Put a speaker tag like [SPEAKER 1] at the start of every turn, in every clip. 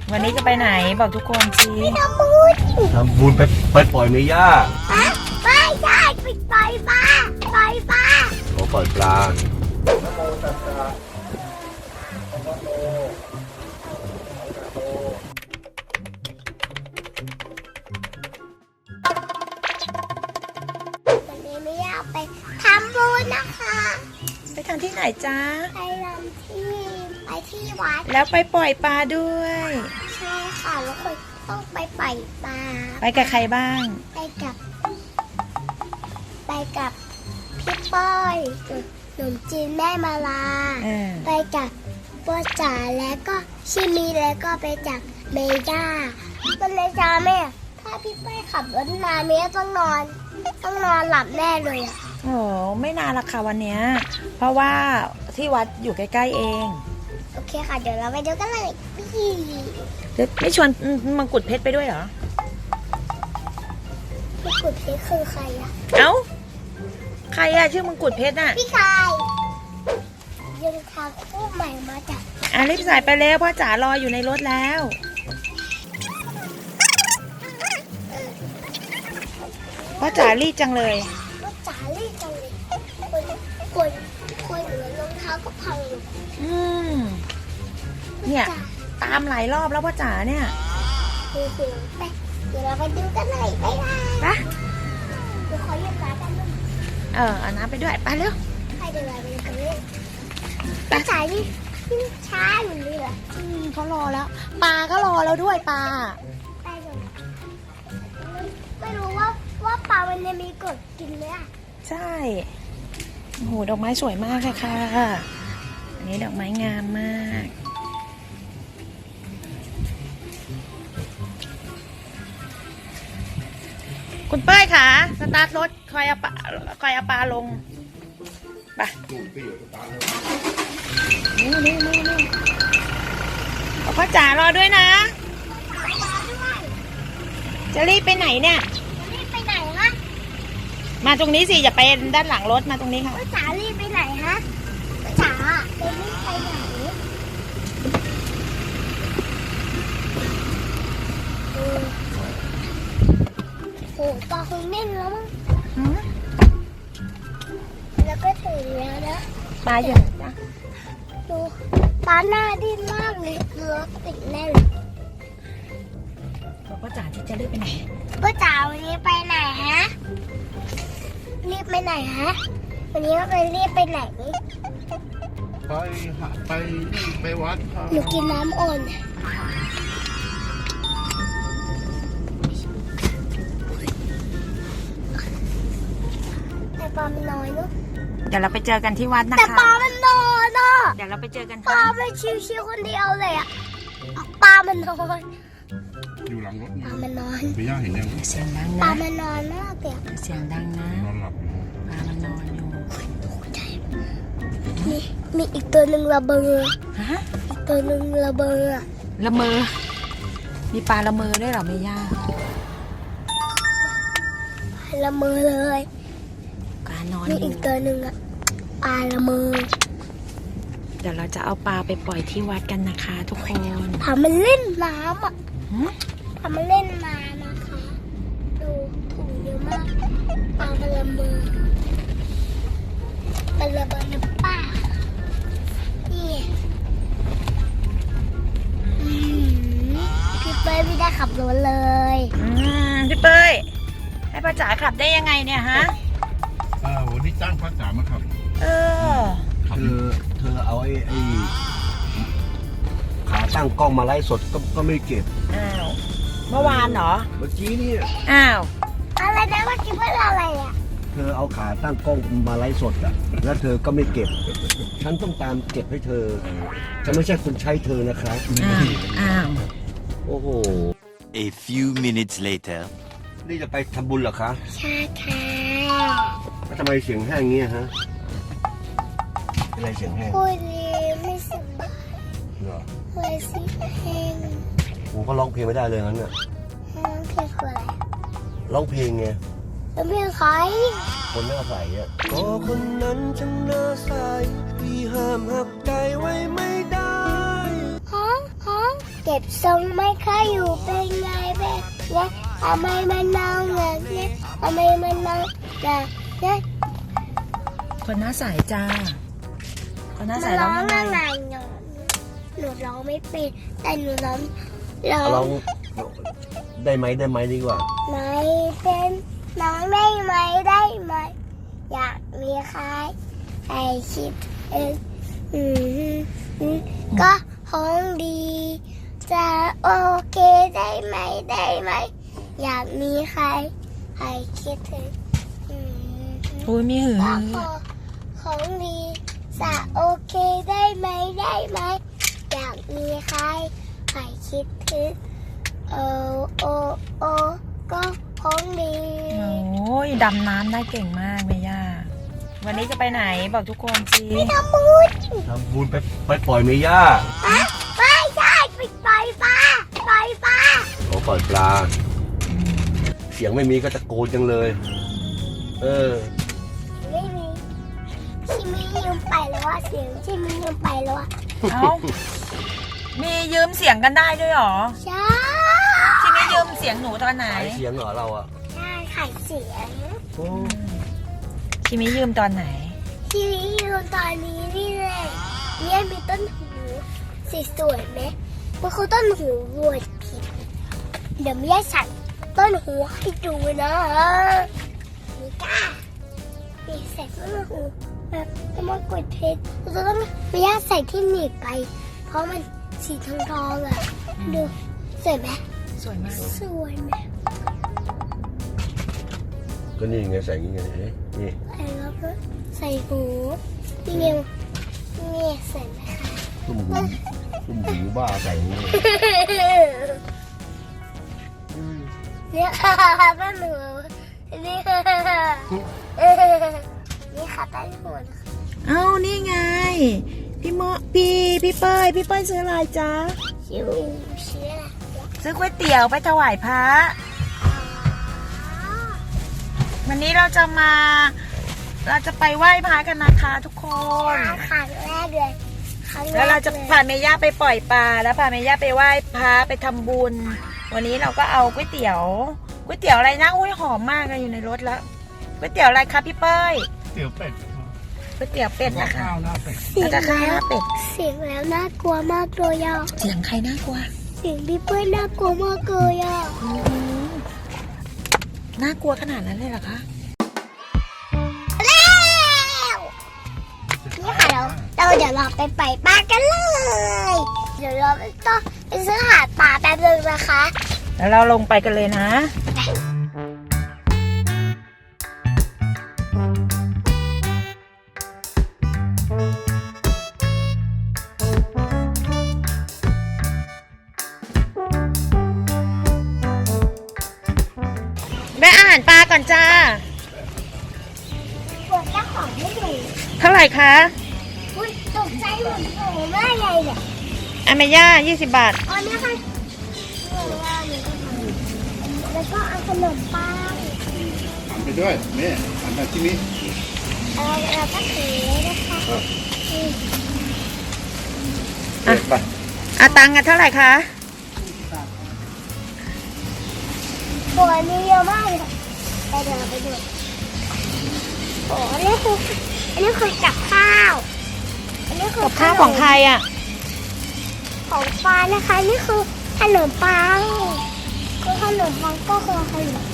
[SPEAKER 1] วันนี้จะไปไหนบอกทุกคนสิ
[SPEAKER 2] ทำบุญ
[SPEAKER 3] ไปปล่อยเมย่า
[SPEAKER 2] ไม่ใช่ไปปล่อยปลาปล่อยปลา
[SPEAKER 3] โอ้ปล่อยปลา
[SPEAKER 2] วันนี้ไม่อยากไปทำบุญนะคะ
[SPEAKER 1] ไปทำที่ไหนจ๊ะ
[SPEAKER 2] ไปที่วัด
[SPEAKER 1] แล้วไปปล่อยปลาด้วย
[SPEAKER 2] ใช่ค่ะแล้วคนต้องไปปล่อยปลา
[SPEAKER 1] ไปกับใครบ้าง
[SPEAKER 2] ไปกับพี่ป้อยหนุ่มจีนแม่มาลาไปกับพ่อจ๋าแล้วก็ชิมีแล้วก็ไปจากเมย่ามันเลยจ้าแม่ถ้าพี่ป้อยขับรถมาเมย่าต้องนอนหลับแน่เลยอ่ะ
[SPEAKER 1] โอ้ไม่นานละค่ะวันเนี้ยเพราะว่าที่วัดอยู่ใกล้ๆเอง
[SPEAKER 2] โอเคค่ะเดี๋ยวเราไปดูกันเลย
[SPEAKER 1] ไม่ชวนมังกรเพชรไปด้วยเหรอ
[SPEAKER 2] มังกรเพชรคือใครอะ
[SPEAKER 1] เอ้าใครอะชื่อมังกรเพชรน่ะ
[SPEAKER 2] พี่ชายยังทางคู่ใหม่มาจาก
[SPEAKER 1] รีบใส่ไปแล้วพ่อจ๋ารออยู่ในรถแล้วพ่อจ๋ารีบจังเลย
[SPEAKER 2] พ่อจ๋ารีบจังเลยคนเหลือรองเท้าก็พังอยู่
[SPEAKER 1] เนี่ยตามหลายรอบแล้วพ่อจ๋าเนี่ย
[SPEAKER 2] ไปเดี๋ยวเราไปดูกันเลยไป
[SPEAKER 1] นะ
[SPEAKER 2] เดี๋ยวขอหยิบน้ำกันด้วย
[SPEAKER 1] เอาน้ำไปด้วยไปเร็ว
[SPEAKER 2] ไปเดี๋ยวเราไปดูกันเลยพ่อจ๋านี่ช้าอยู่เลยเหรอ
[SPEAKER 1] เขารอแล้วปลาก็รอแล้วด้วยปลา
[SPEAKER 2] ไปเดี๋ยวไม่รู้ว่าปลามันจะมีกดกินไหมอ่ะ
[SPEAKER 1] ใช่โอ้โหดอกไม้สวยมากเลยค่ะอันนี้ดอกไม้งามมากคุณเป้ยค่ะสตาร์ทรถคอยเอาปลาลงไปนี่พ่อจ๋ารอด้วยนะจะรีบไปไหนเนี่ย
[SPEAKER 2] รีบไปไหนฮะ
[SPEAKER 1] มาตรงนี้สิอย่าไปด้านหลังรถมาตรงนี้ค่ะ
[SPEAKER 2] พ่อจ๋ารีบไปไหนฮะพ่อจ๋าไปรีบไปไหนโอ้ปลาคงเน่นแล้วมั้งแล้วก็ถึงแล้วนะ
[SPEAKER 1] ปลาอยู่ไหนจ๊ะ
[SPEAKER 2] ดูปลาหน้าดิ้นมากเลยรถติดแน่เลย
[SPEAKER 1] พ่อจ๋าจะรีบไปไหน
[SPEAKER 2] พ่อจ๋าวันนี้ไปไหนฮะรีบไปไหนฮะวันนี้ไปรีบไปไหน
[SPEAKER 3] ไปวัด
[SPEAKER 2] หนูกินน้ำอ่อนแต่ปลามันน้อยเนอะ
[SPEAKER 1] เดี๋ยวเราไปเจอกันที่วัดนะคะ
[SPEAKER 2] แต่ปลามันน้อยเนอะ
[SPEAKER 1] เดี๋ยวเราไปเจอกัน
[SPEAKER 2] ปลามันชิวๆคนเดียวเลยอะปลามันน้อย
[SPEAKER 3] อยู่หลังรถ
[SPEAKER 2] ปลามันน้อย
[SPEAKER 3] ไม่ย่าเห็นยัง
[SPEAKER 1] เสียงดังนะ
[SPEAKER 2] ปลามันน้อยมากเลย
[SPEAKER 1] เสียงดังนะ
[SPEAKER 3] นอนหลับ
[SPEAKER 1] ปลามันนอนอยู่
[SPEAKER 2] มีอีกตัวหนึ่งระเบิด
[SPEAKER 1] ฮะ
[SPEAKER 2] อีกตัวหนึ่งระเบิด
[SPEAKER 1] ละเมอมีปลาละเมอด้วยเหรอไม่ย่า
[SPEAKER 2] ละเมอเลย
[SPEAKER 1] การนอน
[SPEAKER 2] มีอีกตัวหนึ่งอะปลาละเมอ
[SPEAKER 1] เดี๋ยวเราจะเอาปลาไปปล่อยที่วัดกันนะคะทุกคน
[SPEAKER 2] พามันเล่นน้ำอ่ะพามันเล่นน้ำนะคะดูถุงเยอะมากปลามันละเมอมันระเบิดน้ำป้านี่พี่เป้ยไม่ได้ขับรถเลย
[SPEAKER 1] พี่เป้ยให้ป้าจ๋าขับได้ยังไงเนี่ยฮะ
[SPEAKER 3] วันนี้จ้างป้าจ๋ามาขับเธอเอาไอ้ขาตั้งกล้องมาไลฟ์สดก็ไม่เก็บ
[SPEAKER 1] เมื่อวานเหรอ
[SPEAKER 3] เมื่อกี้นี่
[SPEAKER 2] อะไรนะเมื่อกี้ว่าอะไรอ่ะ
[SPEAKER 3] เธอเอาขาตั้งกล้องมาไลฟ์สดอ่ะแล้วเธอก็ไม่เก็บฉันต้องตามเก็บให้เธอฉันไม่ใช่คนใช้เธอนะครับโอ้โห
[SPEAKER 4] A few minutes later
[SPEAKER 3] นี่จะไปทำบุญเหรอคะ
[SPEAKER 2] ใช่ค่ะ
[SPEAKER 3] แล้วทำไมเสียงแห้งเงี้ยฮะอะไรเสียงแห้ง
[SPEAKER 2] คุยดีไม่สบาย
[SPEAKER 3] เหรอ
[SPEAKER 2] คุยสิแห้ง
[SPEAKER 3] ผมก็ร้องเพลงไม่ได้เลยงั้นเนี่ย
[SPEAKER 2] เพลงอะไร
[SPEAKER 3] ร้องเพลงไง
[SPEAKER 2] ร้องเพลงใคร
[SPEAKER 3] คนหน้าใสอ่ะก็คนนั้นช่างหน้าใสพี่ห้ามหักใจไว้ไม่ได้
[SPEAKER 2] ฮะเก็บทรงไม่ค่อยอยู่เป็นไงแบบเนี้ยทำไมมันนอนแบบเนี้ยทำไมมันนอนแบบเนี้ย
[SPEAKER 1] คนหน้าใสจ้า คนหน้าใส
[SPEAKER 2] มัน
[SPEAKER 1] ร้
[SPEAKER 2] ร้
[SPEAKER 1] อ
[SPEAKER 2] อง ง
[SPEAKER 1] ยัง
[SPEAKER 2] อะไร
[SPEAKER 1] ไง
[SPEAKER 2] หนูร้องไม่เป็นแต่หนูร้อง
[SPEAKER 3] ลองได้ไหมดีกว่า
[SPEAKER 2] ไม่เป็นน้องได้ไหมได้ไหมอยากมีใครใครคิดก็คงดี จะโอเคได้ไหมได้ไหมอยากมีใครใครคิดถึง
[SPEAKER 1] อุ้ยมีหือ
[SPEAKER 2] ก็ของดีจะโอเคได้ไหมได้ไหมอยากมีใครใครคิดถึงโอก็ของดี
[SPEAKER 1] โอ้ยดำน้ำได้เก่งมากเมย่า วันนี้จะไปไหนบอกทุกคนสิ
[SPEAKER 2] ทำบุญ
[SPEAKER 3] ทำบุญไปปล่อยเมย่า
[SPEAKER 2] ไม่ใช่ไปปล่อยปลาปล่อยปลา
[SPEAKER 3] โอ้ปล่อยปลา เสียงไม่มีก็ตะโกนจังเลย
[SPEAKER 2] ไม่มีชิมิยืมไปแล้วว่าเสียงชิมิยืมไปแล้วว่า
[SPEAKER 1] เอ้า มียืมเสียงกันได้ด้วยเหรอ
[SPEAKER 2] ใช่
[SPEAKER 1] ที่ไม่ยืมเสียงหนูตอนไหน
[SPEAKER 3] ขายเสียงเหรอเราอ่ะ
[SPEAKER 2] ใช่ขายเสียง
[SPEAKER 3] โอ้
[SPEAKER 1] ชิมิยืมตอนไหน
[SPEAKER 2] ชิมิยืมตอนนี้นี่เลยเนี่ยมีต้นหูสีสวยไหมมันคือต้นหูวัวผิดเดี๋ยวแม่สั่งต้นหูให้ดูนะมีก้ามีใส่ต้นหูแบบจะมากดเพชรเราต้องแม่ใส่ที่หนีบไป เพราะมันสีทองอ่ะดูสวยไหม
[SPEAKER 1] สวยมาก
[SPEAKER 2] สวยไหม
[SPEAKER 3] ก็นี่ไงใส่อย่างงี้ไงนี่
[SPEAKER 2] แล้วก็ใส่หูนี่ไงนี่ใส่ไหมคะ
[SPEAKER 3] ตุ้มหูบ้าใส่อย่างงี้
[SPEAKER 2] เนี่ยค่ะต้นหูนี่ค่ะนี่ค่ะต้นหูนะคะ
[SPEAKER 1] เอ้านี่ไง พี่เป้ยซื้ออะไรจ๊ะ
[SPEAKER 2] ชิวเชื่อ
[SPEAKER 1] ซื้อก๋วยเตี๋ยวไปถวายพระ วันนี้เราจะไปไหว้พระกันนะคะทุกคน
[SPEAKER 2] ครั้งแรกเลยครั้งแรก
[SPEAKER 1] แล้วเราจะพาเมย่าไปปล่อยปลาแล้วพาเมย่าไปไหว้พระไปทำบุญ วันนี้เราก็เอาก๋วยเตี๋ยวอะไรนะอุ้ยหอมมากเลยอยู่ในรถแล้วก๋วยเตี๋ยวอะไรคะพี่เป้ย
[SPEAKER 5] เตี๋ยวเป็ด
[SPEAKER 1] ก๋วยเตี๋ยวเป็ดนะคะ
[SPEAKER 5] ข้าวหน้าเป็ด
[SPEAKER 2] เสีย
[SPEAKER 1] แล้ว
[SPEAKER 2] ง
[SPEAKER 1] ก็ข้าวหน้าเป็ด
[SPEAKER 2] เสียงแล้วน่ากลัวมากเลยอ่ะ
[SPEAKER 1] เสียงใครน่ากลัว
[SPEAKER 2] เสียงพี่เปิ้ลน่ากลัวมากเลยอ่ะ
[SPEAKER 1] น่ากลัวขนาดนั้นเลยเหรอคะ
[SPEAKER 2] แล้วนี่ค่ะเราเดี๋ยวเราไปปล่อยปลากันเลย เดี๋ยวเราต้องไปซื้อหาปลาแป๊บนึงนะคะ
[SPEAKER 1] แล้วเราลงไปกันเลยนะ แม่อาหารปลาก่อนจ้า
[SPEAKER 2] ปวดเจ้าของไม่อยู่
[SPEAKER 1] เท่าไหร่คะ
[SPEAKER 2] อุ้ยตกใจหมดโอ้ไม่ไงเนี่ย
[SPEAKER 1] อเมย่า20 บาท
[SPEAKER 2] อ๋อเนี่ยค่ะแล้วก็เอาขนมปัง
[SPEAKER 5] ไปด้วยนี่อันนั้นที่นี่
[SPEAKER 2] เราก็ถือนะคะ
[SPEAKER 3] ไป
[SPEAKER 1] ตังค์กันเท่าไหร่คะ
[SPEAKER 2] ตัวนี้เยอะมากเลยไปเดี๋ยวเราไปดูโอ้อันนี้คือกับข้าว อันนี้คือ
[SPEAKER 1] กับข้าวของใครอ่ะ
[SPEAKER 2] ของฟ้านะคะนี่คือขนมปังคือขนมปังก็คือขนม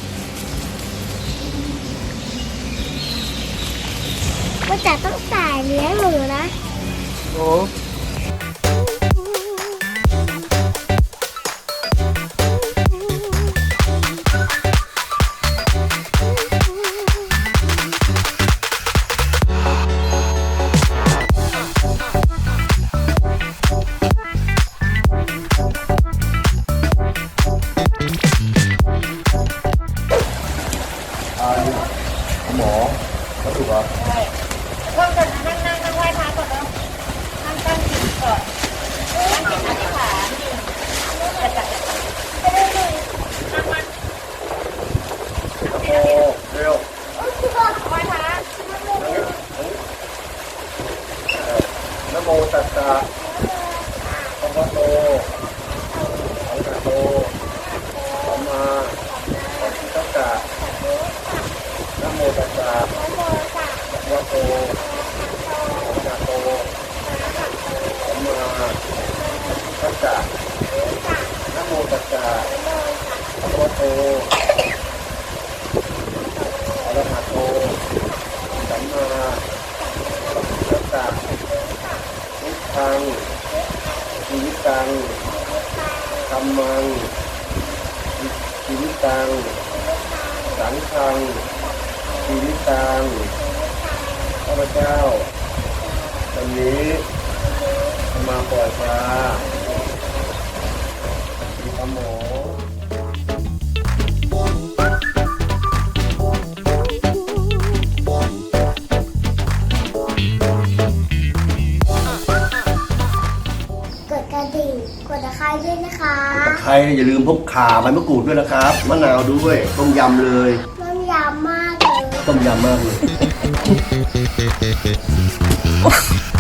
[SPEAKER 2] มันจะต้องจ่ายเลี้ยงหนูนะ
[SPEAKER 3] โอ้ หมอเขาถูกเหรอ
[SPEAKER 1] เพิ่มกันนั่งไหว้พระก่อนแล้วนั่ง
[SPEAKER 3] ะพระพุทโธอะระหะโตสัมมาสัมพุทธัสสะพุทธังชีวิตังธัมมังชีวิตังสังฆังชีวิตังข้าพเจ้าวันนี้จะมาปล่อยปลามีปลาหมอ
[SPEAKER 2] กดกระดิ่งกดตะไคร้ด้วยนะคะ
[SPEAKER 3] ใครอย่าลืมพกข่าใบมะกรูดด้วยนะครับมะนาวด้วยต้มยำเลย
[SPEAKER 2] น้ำยำมากเลย
[SPEAKER 3] ต้มยำมากเลย